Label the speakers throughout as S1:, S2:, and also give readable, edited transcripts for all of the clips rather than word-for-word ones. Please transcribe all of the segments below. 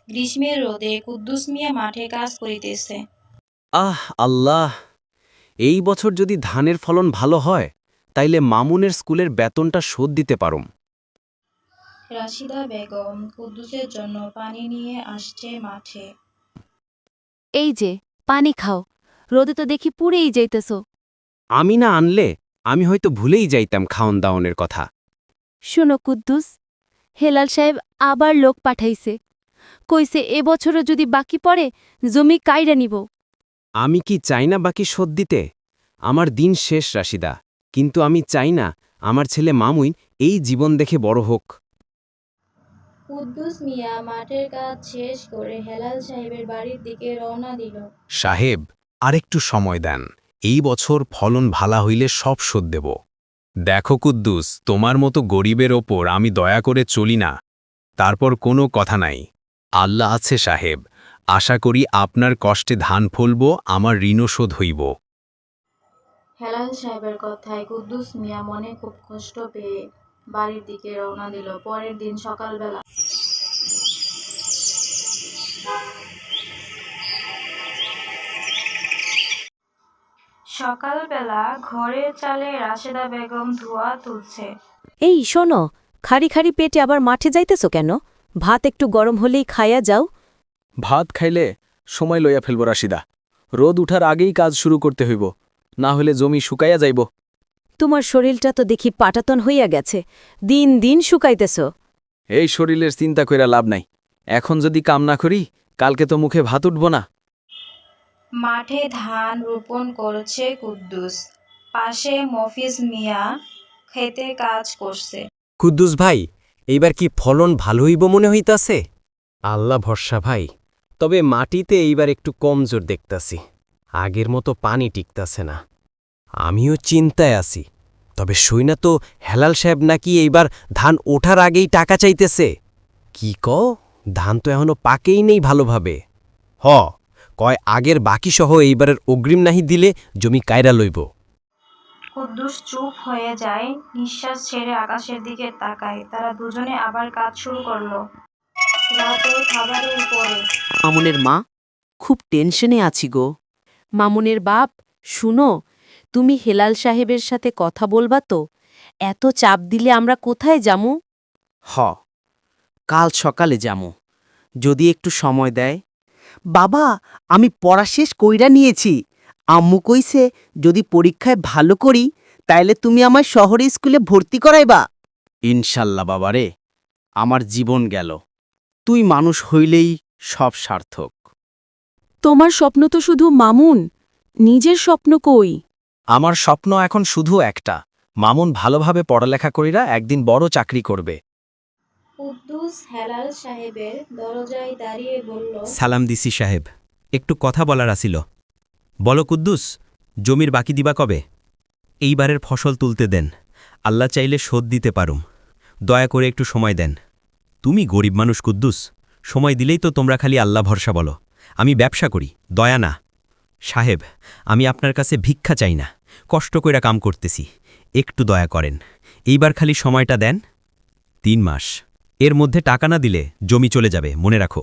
S1: গ্রীষ্মের রোদে কুদ্দুস মিয়া মাঠে কাজ করিতেছে।
S2: আহ আল্লাহ, এই বছর যদি ধানের ফলন ভালো হয় তাইলে মামুনের স্কুলের বেতনটা শোধ দিতে পারুম।
S1: রাশিদা বেগম কুদ্দুসের জন্য পানি নিয়ে আসছে মাঠে।
S3: এই যে পানি খাও, রোদে তো দেখি পুড়েই যাইতেছ।
S2: আমি না আনলে আমি হয়তো ভুলেই যাইতাম খাওন দাওনের কথা।
S3: শুনো কুদ্দুস, হেলাল সাহেব আবার লোক পাঠাইছে, কইছে এবছরও যদি বাকি পড়ে জমি কাইরা নিব।
S2: আমি কি চাই না বাকি শোধ দিতে? আমার দিন শেষ রাশিদা, কিন্তু আমি চাই না আমার ছেলে মামুন এই জীবন দেখে বড় হোক।
S1: কুদ্দুস মিয়া মাঠের কাজ শেষ করে হেলাল সাহেবের বাড়ির দিকে রওনা দিল।
S4: সাহেব, আরেকটু সময় দেন, এই বছর ফলন ভালা হইলে সব শোধ দেব। দেখো কুদ্দুস, তোমার মতো গরিবের ওপর আমি দয়া করে চলি না। তারপর কোনো কথা নাই, আল্লাহ আছে সাহেব, আশা করি আপনার কষ্টে ধান ফলব, আমার ঋণও শোধ হইব।
S1: হেলাল সাহেবের কথায় কুদ্দুস মিয়া মনে খুব কষ্ট পেয়ে বাড়ির দিকে রওনা দিল। পরের দিন সকালবেলা ঘরের চালে রাশেদা বেগম ধোঁয়া তুলছে।
S5: এই শোনো, খাড়ি খাড়ি পেটে আবার মাঠে যাইতেছ কেন? ভাত একটু গরম হলেই খাইয়া যাও।
S2: ভাত খাইলে সময় লইয়া ফেলব রাশিদা, রোদ উঠার আগেই কাজ শুরু করতে হইব, না হলে জমি শুকাইয়া যাইব।
S5: তোমার শরীরটা তো দেখি পাটাতন হইয়া গেছে, দিন দিন শুকাইতেছ।
S2: এই শরীরের চিন্তা কইরা লাভ নাই, এখন যদি কাম না করি কালকে তো মুখে ভাত উঠব না।
S1: মাঠে ধান রোপণ করছে কুদ্দুস, পাশে মফিজ মিয়া খেতে কাজ করছে।
S2: কুদ্দুস ভাই, এইবার কি ফলন ভালো হইব মনে হইতাছে? আল্লাহ ভরসা ভাই, তবে মাটিতে এইবার একটু কমজোর দেখতাছি, আগের মতো পানি টিকতাছে না। আমিও চিন্তায় আছি, তবে শুইনা তো হেলাল সাহেব নাকি এইবার ধান ওঠার আগেই টাকা চাইতেছে। কি কও, ধান তো এখনো পাকেই নেই ভালোভাবে। কয় আগের বাকিসহ এইবারের অগ্রিম নাহি দিলে জমি কায়রা লইব।
S1: কুদ্দুস চুপ হয়ে যায়, নিঃশ্বাস ছেড়ে আকাশের দিকে তাকায়। তারা দুজনে আবার কাজ শুরু করলো। রাতের খাবারের পরে
S6: মামুনের মা, খুব টেনশনে আছি গো।
S3: মামুনের বাপ, শুনো, তুমি হেলাল সাহেবের সাথে কথা বলবা তো? এত চাপ দিলে আমরা কোথায় যামু?
S6: হ, কাল সকালে যামু, যদি একটু সময় দেয়। বাবা, আমি পড়া শেষ কইরা নিয়েছি। আম্মু কইছে যদি পরীক্ষায় ভালো করি তাইলে তুমি আমার শহরে স্কুলে ভর্তি করাইবা।
S2: ইনশাল্লাহ বাবারে, আমার জীবন গেল, তুই মানুষ হইলেই সব সার্থক।
S5: তোমার স্বপ্ন তো শুধু মামুন, নিজের স্বপ্ন কই?
S2: আমার স্বপ্ন এখন শুধু একটা, মামুন ভালোভাবে পড়ালেখা করিরা একদিন বড় চাকরি করবে।
S1: কুদ্দুস হেলাল সাহেবের দরজায় দাঁড়িয়ে বলল,
S4: সালাম দিছি সাহেব, একটু কথা বলার আসিল। বলো কুদ্দুস, জমির বাকি দিবা কবে? এইবারের ফসল তুলতে দেন, আল্লাহ চাইলে শোধ দিতে পারুম, দয়া করে একটু সময় দেন। তুমি গরিব মানুষ কুদ্দুস, সময় দিলেই তো তোমরা খালি আল্লাহ ভরসা বলো। আমি ব্যবসা করি, দয়া না। সাহেব, আমি আপনার কাছে ভিক্ষা চাই না, কষ্ট কইরা কাম করতেছি, একটু দয়া করেন, এইবার খালি সময়টা দেন। 3 মাস, এর মধ্যে টাকা না দিলে জমি চলে যাবে, মনে রাখো।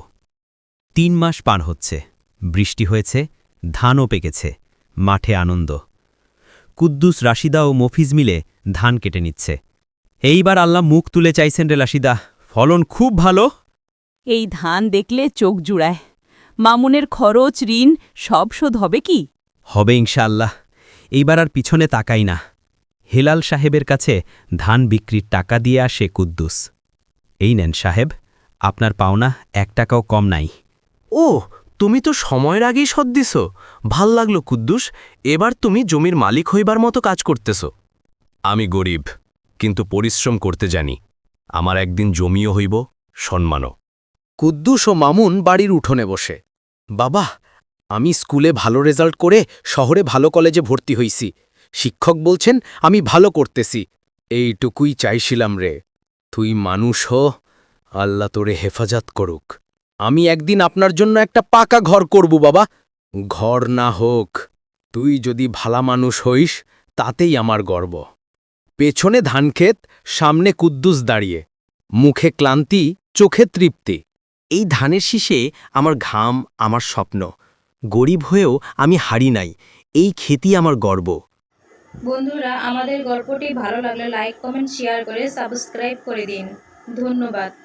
S4: 3 মাস পার হচ্ছে, বৃষ্টি হয়েছে, ধানও পেকেছে, মাঠে আনন্দ। কুদ্দুস, রাশিদা ও মফিজ মিলে ধান কেটে নিচ্ছে। এইবার আল্লাহ মুখ তুলে চাইছেন রে রাশিদা, ফলন খুব ভালো।
S6: এই ধান দেখলে চোখ জুড়ায়। মামুনের খরচ ঋণ সব শোধ হবে কি?
S4: হবে ইনশাআল্লাহ, এইবার আর পিছনে তাকাই না। হেলাল সাহেবের কাছে ধান বিক্রির টাকা দিয়ে আসে কুদ্দুস। এই নেন সাহেব, আপনার পাওনা 1 টাকাও কম নাই।
S2: ও, তুমি তো সময়ের আগেই শোধ দিছ, ভাল লাগলো কুদ্দুস, এবার তুমি জমির মালিক হইবার মতো কাজ করতেছ।
S4: আমি গরিব, কিন্তু পরিশ্রম করতে জানি, আমার একদিন জমিও হইব, সম্মানও।
S2: কুদ্দুস ও মামুন বাড়ির উঠোনে বসে, বাবা, আমি স্কুলে ভালো রেজাল্ট করে শহরে ভালো কলেজে ভর্তি হইছি, শিক্ষক বলছেন আমি ভালো করতেছি, এইটুকুই চাইছিলাম রে। তুই মানুষ হ, আল্লাহ তোরে হেফাজত করুক। আমি একদিন আপনার জন্য একটা পাকা ঘর করব বাবা, ঘর না হোক, তুই যদি ভালা মানুষ হইস তাতেই আমার গর্ব। পেছনে ধানক্ষেত, সামনে কুদ্দুস দাঁড়িয়ে, মুখে ক্লান্তি, চোখে তৃপ্তি। এই ধানের শীষে আমার ঘাম, আমার স্বপ্ন। গরিব হয়েও আমি হারি নাই, এই খেতি আমার গর্ব।
S1: বন্ধুরা, আমাদের গল্পটি ভালো লাগলে লাইক, কমেন্ট, শেয়ার করে সাবস্ক্রাইব করে দিন। ধন্যবাদ।